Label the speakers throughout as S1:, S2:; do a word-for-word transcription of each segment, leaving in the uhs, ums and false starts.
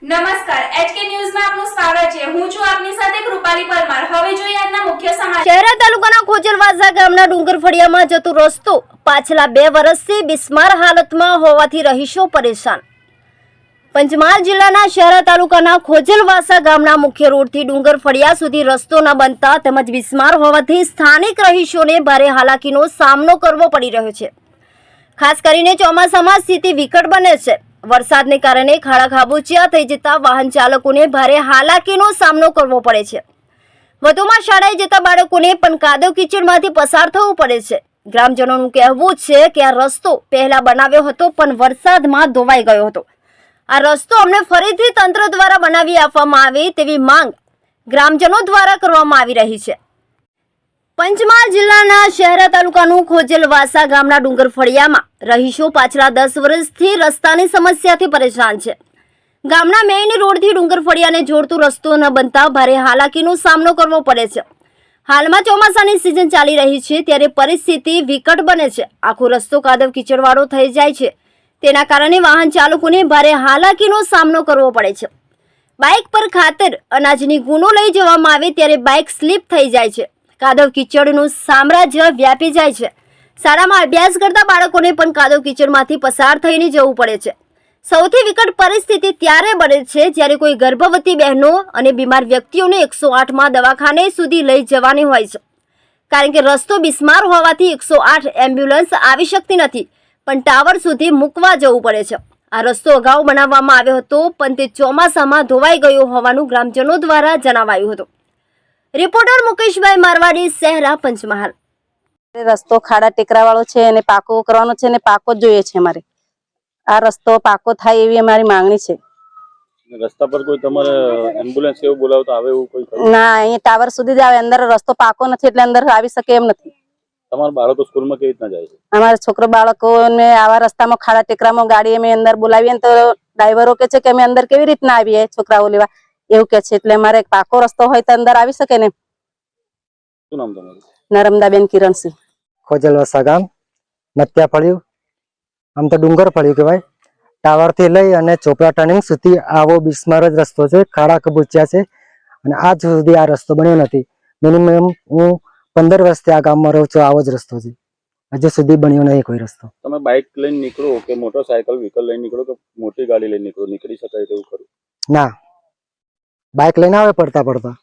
S1: નમસ્કાર એચકે ન્યૂઝમાં આપનું સ્વાગત છે। હું છું આપની સાથે કૃપાલી પરમાર। હવે જોઈએ આજના મુખ્ય સમાચાર।
S2: શહેરા તાલુકાના ખોજલવાસા ગામના ડુંગર ફળિયામાં જતો રસ્તો પાછલા બે વર્ષથી બિસ્માર હાલતમાં હોવાથી રહીશો પરેશાન। પંચમહાલ જિલ્લાના શહેરા તાલુકાના ખોજલવાસા ગામના મુખ્ય રોડથી ડુંગર ફળિયા સુધી રસ્તો ન બનતા તેમજ બિસ્માર હોવાથી સ્થાનિક રહીશોને ભારે હાલાકીનો સામનો કરવો પડી રહ્યો છે। ખાસ કરીને ચોમાસામાં સ્થિતિ વિકટ બને છે। વરસાદને કારણે ખાડા ખાબોચિયા થઈ જતા વાહન ચાલકોને ભારે હાલાકીનો સામનો કરવો પડે છે। વધુમાં શાળાએ જતા બાળકોને પણ કાદવ કીચડમાંથી પસાર થવું પડે છે। ગ્રામજનોનું કહેવું છે કે આ રસ્તો પહેલા બનાવ્યો હતો પણ વરસાદમાં ધોવાઈ ગયો હતો। આ રસ્તો અમને ફરીથી તંત્ર દ્વારા બનાવી આપવામાં આવે તેવી માંગ ગ્રામજનો દ્વારા કરવામાં આવી રહી છે। પંચમહાલ જિલ્લાના શહેરા તાલુકાનું ખોજલવાસા ગામના ડુંગર ફળિયામાં રહીશો પાછલા દસ વર્ષથી રસ્તાની સમસ્યાથી પરેશાન છે। ગામના મેઇન રોડથી ડુંગર ફળિયાને જોડતો રસ્તો ન બનતા ભારે હાલાકીનો સામનો કરવો પડે છે। હાલમાં ચોમાસાની સિઝન ચાલી રહી છે ત્યારે પરિસ્થિતિ વિકટ બને છે। આખો રસ્તો કાદવ કીચડવાળો થઈ જાય છે। તેના કારણે વાહન ચાલકોને ભારે હાલાકીનો સામનો કરવો પડે છે। બાઇક પર ખાતર અનાજની ગુનો લઈ જવામાં આવે ત્યારે બાઇક સ્લીપ થઈ જાય છે। કાદવ કીચડનું સામ્રાજ્ય વ્યાપી જાય છે। શાળામાં અભ્યાસ કરતા બાળકોને પણ કાદવ કીચડમાંથી પસાર થઈને જવું પડે છે। સૌથી વિકટ પરિસ્થિતિ ત્યારે બને છે જ્યારે કોઈ ગર્ભવતી બહેનો અને બીમાર વ્યક્તિઓને એકસો આઠમાં દવાખાને સુધી લઈ જવાની હોય છે, કારણ કે રસ્તો બિસ્માર હોવાથી એકસો આઠ એમ્બ્યુલન્સ આવી શકતી નથી પણ ટાવર સુધી મૂકવા જવું પડે છે। આ રસ્તો અગાઉ બનાવવામાં આવ્યો હતો પણ તે ચોમાસામાં ધોવાઈ ગયો હોવાનું ગ્રામજનો દ્વારા જણાવાયું હતું। રિપોર્ટર મુકેશભાઈ મારવાડી, શહેરા, પંચમહાલ।
S3: રસ્તો ખાડા ટેકરા વાળો છે અને પાકો કરવાનો છે ને પાકો જ જોઈએ છે। અમારે આ રસ્તો પાકો થાય એવી અમારી માંગણી છે।
S4: રસ્તા પર કોઈ તમારે એમ્બ્યુલન્સ કેવું બોલાવતા આવે એવું કોઈ
S3: ના, અહીંયા ટાવર સુધી જ આવે, અંદર રસ્તો પાકો નથી એટલે અંદર આવી શકે એમ નથી।
S4: તમારા બાળકો સ્કૂલમાં કેવી રીતના જાય છે?
S3: અમારા છોકરો બાળકોને આવા રસ્તામાં ખાડા ટેકરામાં ગાડી અમે અંદર બોલાવીએ તો ડ્રાઈવરો કે છે કે અમે અંદર કેવી રીતના આવીએ છોકરાઓ લેવા એવું કે છે। એટલે અમારે પાકો રસ્તો હોય તો અંદર આવી શકે ને।
S4: શું નામ તમારું?
S3: નર્મદાબેન કિરણસિંહ,
S5: ખોજલવાસા ગામ, નત્યા ફળ્યું, આમ તો ડુંગર ફળ્યું કહેવાય। ટાવર થી લઈ અને ચોપડા ટર્નિંગ સુધી આવો બિસ્માર જ રસ્તો છે। ખાડા કબૂચ્યા છે અને આજ સુધી આ રસ્તો બન્યો નથી। મિનિમમ હું પંદર વર્ષથી આ ગામમાં રહું છું, આવો જ રસ્તો છે, હજુ સુધી બન્યો નહીં કોઈ રસ્તો।
S4: તમે બાઇક લઈને નીકળો કે મોટરસાયકલ વ્હીકલ લઈને નીકળો કે મોટી ગાડી લઈને નીકળો, નીકળી શકાય તેવું ખરું?
S5: ના, બાઇક લઈને આવે પડતા પડતા,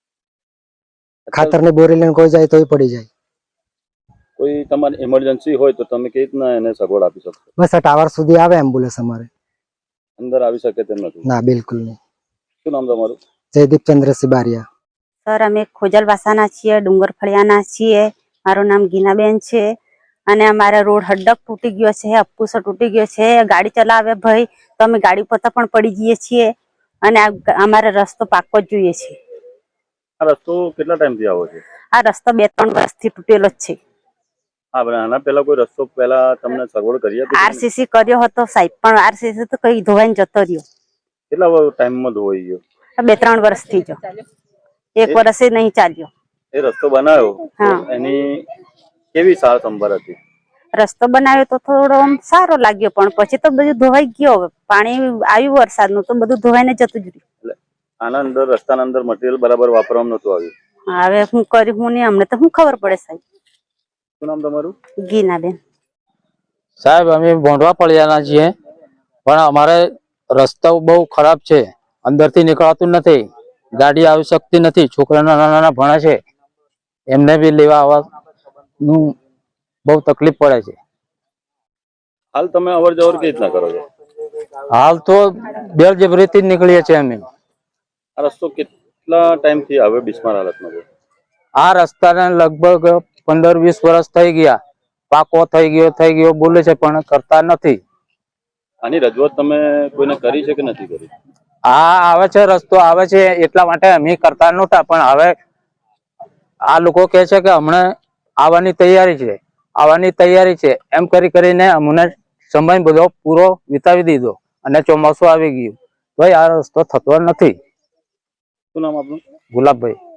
S5: ખાતર ની બોરી લઈને કોઈ જાય તો પડી જાય।
S4: કોઈ તમારી ઇમરજન્સી હોય તો તમે કેવી રીતના એને સગવડ આપી શકશો?
S5: બસ આ ટાવર સુધી આવે એમ્બ્યુલન્સ, અમારે
S4: અંદર આવી શકે તેમ નથી?
S5: ના, બિલકુલ નહીં।
S4: શું નામ તમારું?
S5: જયદીપ ચંદ્રસિંહ બારિયા।
S6: સર, અમે ખોજલવાસાના છીએ, ડુંગર ફળિયાના છીએ। મારું નામ ગીનાબેન છે અને અમારા રોડ હડક તૂટી ગયો છે, અપુસો તૂટી ગયો છે। ગાડી ચલાવે ભાઈ તો અમે ગાડી પોતા પણ પડી જઈએ છીએ અને અમારે રસ્તો પાકો જ જોઈએ છે।
S4: આ રસ્તો કેટલા ટાઈમથી આવો છે?
S6: આ રસ્તો બે ત્રણ વર્ષથી તૂટેલો જ છે।
S4: હા, પણ આના પહેલા કોઈ રસ્તો પહેલા તમને સગવડ કરી હતી?
S6: આરસીસી કર્યો હતો સાહેબ, પણ આરસીસી તો કઈ ધોવાઈને જતો રહ્યો।
S4: કેટલા ટાઈમમાં ધોવાઈ ગયો?
S6: બે ત્રણ વર્ષથી જો, એક વર્ષે નહીં ચાલ્યો।
S4: એ રસ્તો બનાવ્યો એની કેવી સાર સંભાળ હતી?
S6: રસ્તો બનાવ્યો તો થોડો સારો લાગ્યો પણ પછી તો બધું ધોવાઈ ગયો। પાણી આવ્યું વરસાદનું તો બધું ધોવાઈને જતું જ રહ્યું।
S4: આના અંદર રસ્તાના અંદર મટીરિયલ બરાબર વાપરવામાં નતું આવ્યું?
S6: હવે હું કરી હું નહીં, અમને તો શું ખબર પડે સાહેબ।
S4: શું નામ તમારું?
S6: ગીનાબેન
S7: સાહેબ, અમે ભોંડવા ફળિયાના છીએ પણ અમારે રસ્તો બહુ ખરાબ છે, અંદરથી નીકળાતું નથી, ગાડી આવી શકતી નથી। છોકરા નાના નાના ભણે છે, એમને બી લેવા આવવાનું બહુ તકલીફ પડે છે।
S4: હાલ તમે અવર જવર કેવી રીતના કરો છો?
S7: હાલ તો બેલજબરીથી જ નીકળીએ છીએ અમે।
S4: આ રસ્તો કેટલા ટાઈમ થી હવે બિસ્માર હાલતમાં છે?
S7: આ રસ્તાને લગભગ પંદર વીસ વર્ષ થઈ ગયા, પાકો થઈ ગયો થઈ ગયો બોલે છે પણ કરતા નથી।
S4: આની રજૂઆત તમે કોઈને કરી છે કે નથી કરી?
S7: આ આવે છે, રસ્તો આવે છે એટલા માટે અમે કરતા નહોતા, પણ હવે આ લોકો કહે છે કે હમણાં આવવાની તૈયારી છે, આવવાની તૈયારી છે એમ કરી કરીને અમને સમય બધો પૂરો વિતાવી દીધો અને ચોમાસું આવી ગયું, ભાઈ આ રસ્તો થતો નથી।
S4: શું નામ આપનું?
S7: ગુલાબભાઈ।